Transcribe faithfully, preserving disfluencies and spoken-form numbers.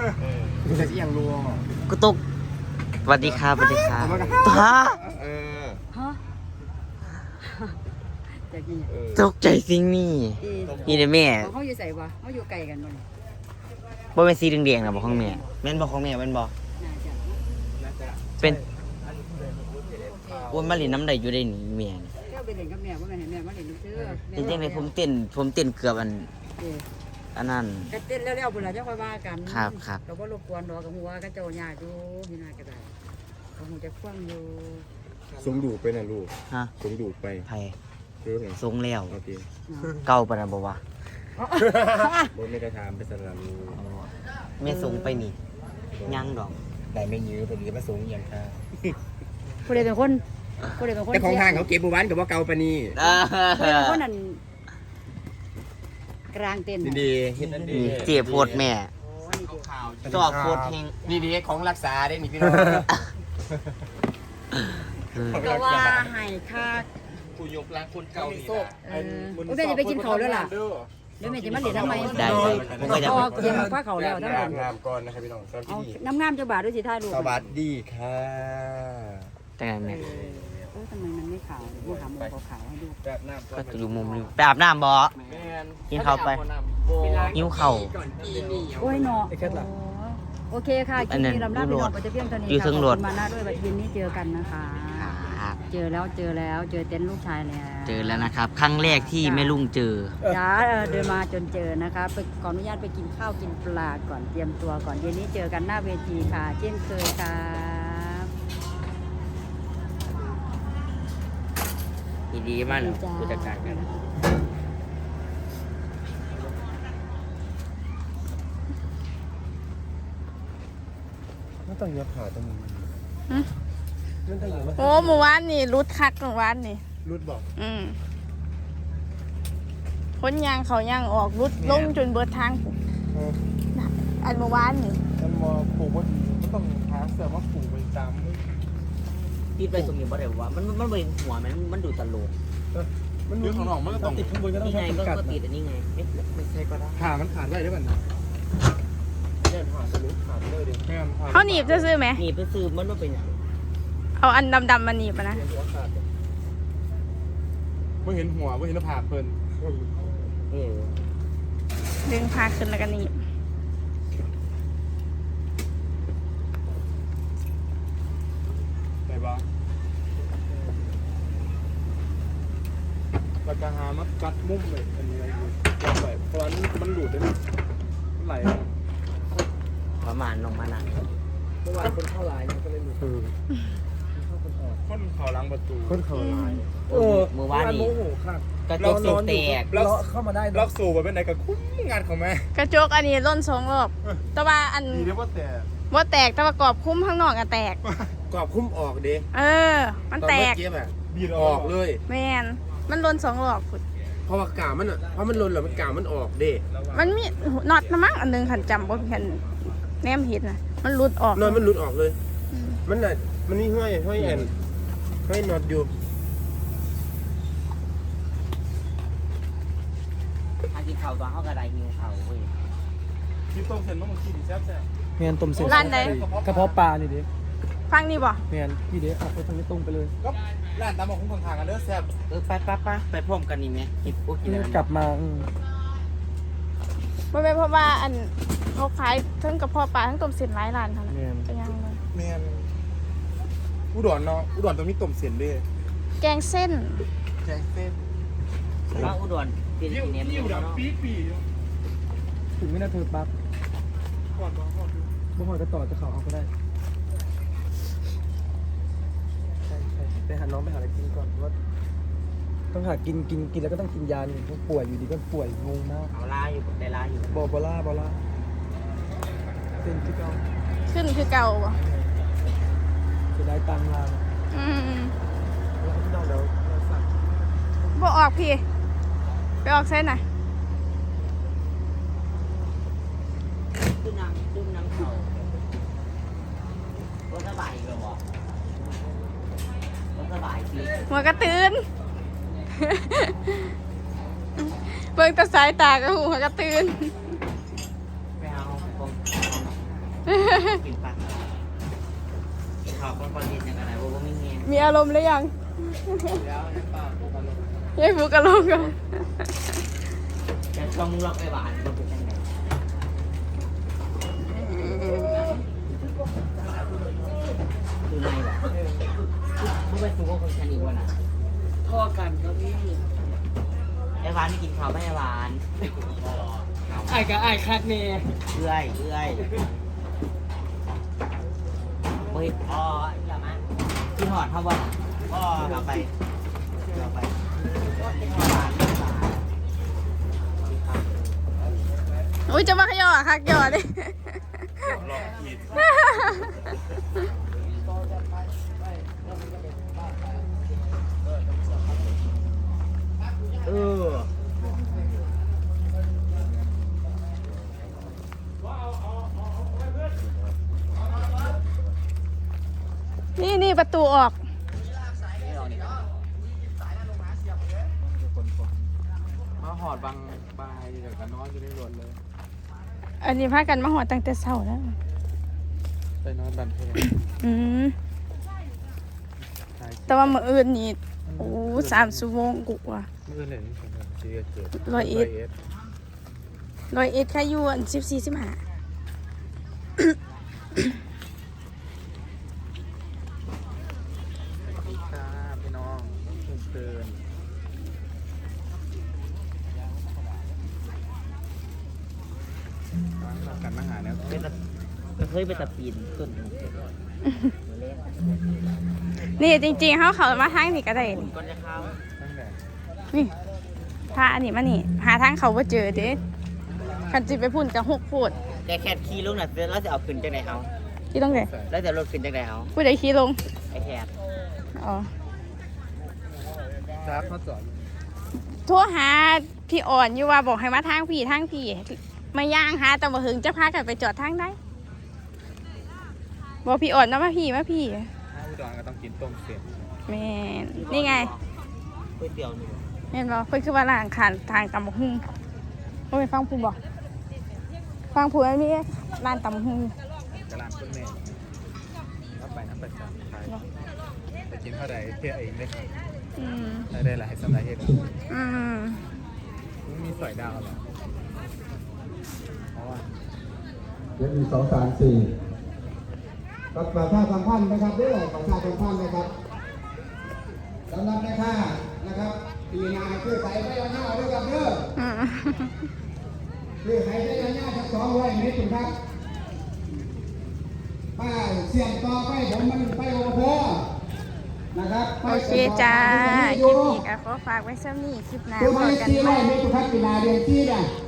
คุณจะเอียงรัวกูตกสวัสดีครับสวัสดีครับฮะฮะจะกินยังตกใจสิ่งนี้นี่เด้อแม่เขาอยู่ใส่บ่เขาอยู่ไกลกันบ่บ่เป็นสีแดงๆนะบ่ของแม่แม่นบ่ของแม่แม่นบ่น่าจะเป็นอ้วนมาเล่นน้ำได้อยู่ได้นี่แม่เจ้าไปเล่นกับแม่บ่แม่นให้แม่มาเล่นซื้อจริงๆเลยผมเต้นผมเต้นเกือบอันอันนั้นก็เต้นแล้วๆพุ่นล่ะเจ้าค่อยว่ากันครับครับก็บ่รบกวนดอกกับหัวก็เจ้าญาติอยู่พี่นาก็ได้ก็คงจะฟังอยู่สงดูไปนะลูกฮะสงดูไปไผรู้ไงทรงแล้วโอเคเก่าปานนั้นบ่วะบนไม่ได้ถามไปสลับลูกแม่ทรงไปนี่ยังดอกได้ไม่ยื้อพอดีมาสงอย่างค่ะผู้ใดเป็นคนผู้ใดเป็นคนแต่ของทางเขาเก็บบุวันกับว่าเกาปานี่ผู้ใดเป็นคนนั่นกลางเต้นดีๆเห็นนั่นดีนี่เจ็บโพดแม่โอ้นี่เด้อจอกโพดแฮงดีๆของรักษาได้นี่พี่น้องก็ว่าให้ค่าผู้ยกล้างคนเก่านี่โซ่เออโอ้แม่จะไปกินเขาแล้วล่ะเดี๋ยวแม่จะมาเล่นทำไมได้ได้ผมก็จะพอเกียมคว้าเขาแล้วทั้งหมดงามก่อนนะครับพี่น้องสวัสเอาดีน้ำงามจะบาดด้วยสิท่ายลูกสวัสดีค่ะจังไงแม่เออทำไมมันไม่ขาวไม่ขาวมันขาวให้ดูแบบน้ำก็จะอยู่มุมนี้ไปอาบน้ำบ่กินข้าวไปหิวข้าวโอ้ยเนาะโอเคค่ะคลิปนี้ลำลาพี่น้องไปจะเพียงเท่านี้ค่ะขอบคุณมาหน้าด้วยบัดเย็นนี้เจอกันนะคะครับเจอแล้วเจอแล้วเจอเต็นท์ลูกชายแล้วเจอแล้วนะครับ ครั้งแรกที่แม่ลุงเจอจ้าเออเดินมาจนเจอนะคะไปขออนุญาตไปกินข้าวกินปลาก่อนเตรียมตัวก่อนเย็นนี้เจอกันหน้าเวทีค่ะ เช่นเคยครับดีๆมากเลยผู้จัดการกันไม่ต้องยับขาตรงนี้โอ้หมู่บ้านนี่รุดคักหมู่บ้านนี่รุดบอกอืมพ้นยางเขายางออกรุดลงจนเบิดทางอันหมู่บ้านนี่มันมอปลูกว่าก็ต้องหาเสือมาปลูกไปตามติดไปตรงนี้บ่ได้ว่ามันมันเป็นหัวมันมันดูตลกมันดูของหนองมันก็ต้องติดข้างบนก็ต้องนี่ใช้ไงก็กัดก็ติดอันนี้ไงไม่ไม่ใช่ก็ได้ขามันขาดได้ด้วยกันเนี่ยขาดจะรู้ขาดเลยดิแม่เขาหนีบจะซื้อไหมนี่ไปซื้อมันมาเป็นอย่างเอาอันดำๆมาหนีบอะนะไม่เห็นหัวไม่เห็นหน้าผากเพิ่นเออดึงพาขึ้นแล้วก็หนีบไหนบ้างแล้วก็หามากัดมุมเลยอันนี้อะไรอยู่กัดไปเพราะว่ามันหลุดได้มันไหลประมาณลงมานั่งเมื่อวานคนเข้าลายมันก็เลยหลุดคนเขาล้างประตูคนเขาลายเออเมื่อวานนี้โมโหค่ะกระจกแตกล็อกเข้ามาได้ล็อกสูบไปเป็นไหนกับคุ้มงานของแม่กระจกอันนี้ล่นสองรอบแต่ว่าอันดีเรียกว่าแต่ว่าแตกแต่ว่ากรอบคุ้มข้างนอกอะแตกกรอบคุ้มออกดิเออ มันแตกเก็บอ่ะบีดออกเลยแมนมันล่นสองรอบพุ่นเพราะว่ากามันอ่ะเพราะมันหล่นแล้วมันกามันออกเด้มันมีน็อตนะมั้งอันหนึงขันจำบ่เห็นแนมเห็นนะมันหลุดออกนอนมันหลุดออกเลย มันน่ะมันนี่ห้อยห้อยแอนห้อยน็อตอยู่ถ้ากินข้าวตอนเขากระไดหิวข้าวเว้ยที่ต้มเส้นมันขี้ดีแซ่บแซ่บเมียนต้มเส้นร้านไหนกระเพาะปลานี่ดิฟังนี่บ่เมียนพี่เด้เอาไปทางนี้ตรงไปเลยก็ร้านตามมาคุ้มทางกันเด้อแซ่บเออไปไปไปไปพร้อมกันนี่ไหมกินโอ้กินอะไรกลับมาอืมบ่แม่นเพราะว่าอันเขาขายทั้งกระเพาะปลาทั้งต้มเส้นหลายร้านเท่านั้นเมียนเป็นยังไงแมนอุดรเนาะอุดรตรงนี้ต้มเส้นเด้แกงเส้นแกงเส้นว่าอุดรกินกินเนี้ยยิ่งดับปี๊ปีถึงไม่น่าเธอปั๊บก่อนก่อนก่อนบ่หอยก็ต่อจะเขาเอาก็ได้ใช่ใช่ไปหาน้องไปหาอะไรกินก่อนเพราะว่าต้องหากินกินกินแล้วก็ต้องกินยาหนึ่งเพราะป่วยอยู่ดีก็ป่วยงงมากเอาลาอยู่ได้ลาอยู่บอบอล่าบอล่าเป็นที่เก่าขึ้นคือเก่าบ่จะได้ตังค์ลาอืมแล้วพี่น้องเดี๋ยวเราสั่งบ่ออกพี่ ไปออกเส้นหน่อยขึ้นน้ำขึ้นน้ำเขาก็สบายเลยบ่ก็สบายสิหัวกระตื่น เบิ่งแตาสายตาก็หัวกระตื่นไปเอาผมกินปะกินข้าวก้อนก้อนดินอย่างไรว่าว่าไม่เงี้ยมีอารมณ์หรือยังแล้วยังเปล่าปกติยายฟูกระโลกกันจะชมล็อกไปหวานมันเป็นยังไงดูในแบบมึงไปสูงกว่าคนฉันอีกวันอ่ะพ่อกันครับพี่ไอ้หวานไม่กินข้าวไม่ไอ้หวานไอ้กับไอ้คักเน่เอื้อยเอื้อยเฮ้ยอ๋ออย่ามากินหอดเท่าบ่อ๋อเอาไปเอาไปหวานหวานอุ้ยจะมาขย่อคักย่อดิเออนี่นี่ประตูออกมาหอดบางบายเดี๋ยวกันนอนจะได้รวนเลยอันนี้พากันมาหอดตั้งแต่เช้าแล้วไปนอนบันเทิงอืมแต่ว่ามื้ออื่นนี่โอ้สามชั่วโมงกูว่าเมื่อไหร่นี่ผมจะเกิดร้อยเอ็ด ร้อยเอ็ดแค่อยู่อันสิบสี่สิบห้าค่ะพี่น้องเตือนร้านกันมาหาแล้วเป็นตะก็เคยไปตะปีนต้นนี่จริงๆเขาเขามาทางนี้ก็ได้นี่ก่อนจะเข้าตั้งแต่นี่พาอันนี้มานี่ หาทางเขาว่าเจอเด้คันจิไปพุ่นกับหกพูดแกแค่ขี่ลงน่ะแล้วจะเอาขึ้นจากไหนเอาที่ต้องไหนแล้วจะรถขึ้นจากไหนเอาผู้ใดขี่ลงไอ้แคบอ๋อครับเขาจอดโทรหาพี่อ่อนอยู่ว่าบอกให้มาทางพี่ทางพี่มาย่างหาแต่บ่หึงจะพากันไปจอดทางได้บอกพี่อ่อนนะมาพี่มาพี่ถ้าอุดรก็ต้องกินต้มเสียบแม่นนี่ไงก๋วยเตี๋ยวนี่แม่นบอกเพิ่นคือว่าล่างขานทางตำบักหุ่งบ่ไปฟังผู้บอกฟังผู้อันนี้ร้านตำบักหุ่งกระลานต้นเมฆรับไปน้ำประจำใช่ไปกินเท่าใดเที่ยวเองได้ครับอืมได้ได้หลายสำหรับเหตุอืมมีสอยดาวเหรอเพราะว่าเดี๋ยวมีสองสามสี่กับประชาสัมพันธ์นะครับเรื่องประชาสัมพันธ์นะครับสำหรับแม่ค้านะครับปีนาคือใส่ไปเอาหน้าด้วยกันเด้ออืมคือใส่ไปเอาหน้าทั้งสองร้อยเมตรครับป้าเสี่ยงต่อไปผมมันไปโอโหนะครับโอเคจ้า คลิปนี้ก็ขอฝากไว้ซ้ำนี้คลิปหน้าคือพไปอกันสี่ใหร้ม่อยเมตรครับปีนาเรียนที่เนี่ย